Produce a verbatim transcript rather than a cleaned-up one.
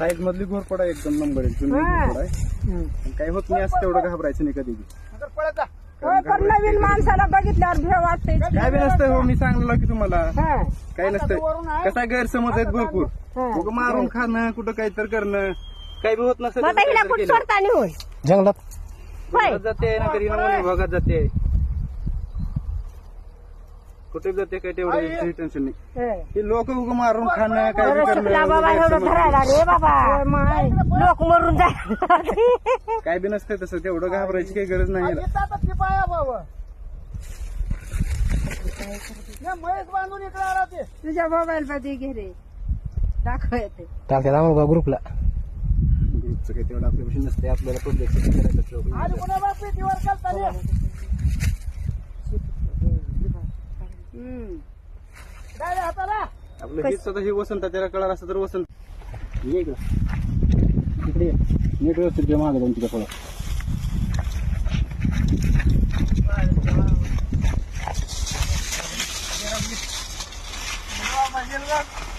Size मधली घोरपड आहे, एकदम नंबर एक जुनी हा. घोरपड आहे. पण काही होत नाही असं, तेवढं घाबरायचं नाही कधी बी. होय, पण नवीन माणसाला बघितल्यावर भेव वाटते. काय बी नसतं हो, मी सांगलो की तुम्हाला हा. काही नसतं. कसा गैरसमज आहेत भरपूर. हा. उगं मारून खाणं, कुठं काहीतरी करणं, काही बी होत नसतं. मग आता हिला कुठं सोडता नाही होय. जंगलात होय. जाते ना तरी वन विभागात जाते, कुठे जाते, काही तेवढं टेन्शन नाही. होय. हे लोक उगं मारून खाणं, काय बी बरं शिकला बाबा, एवढं करणं, धरायला रे बाबा. माय, लोक मरून जाय. काय बी नसतं तसं, तेवढं घाबरायची काही गरज नाही. तुझ्या मोबाईल मध्ये घे रे, दाखव येते. टाकतात आम्हाला ग्रुपला. ग्रुपचं काही तेवढं आपल्यापाशी नसते, आपल्याला प्रोजेक्ट करायचं. हम्म. आपलं हेच स्वतः हे वसंत, त्याला कळाल असं तर वसंत. ये इकडं. इकडे ये. नीट व्यवस्थित घे मागं जाऊन तिथं फळं.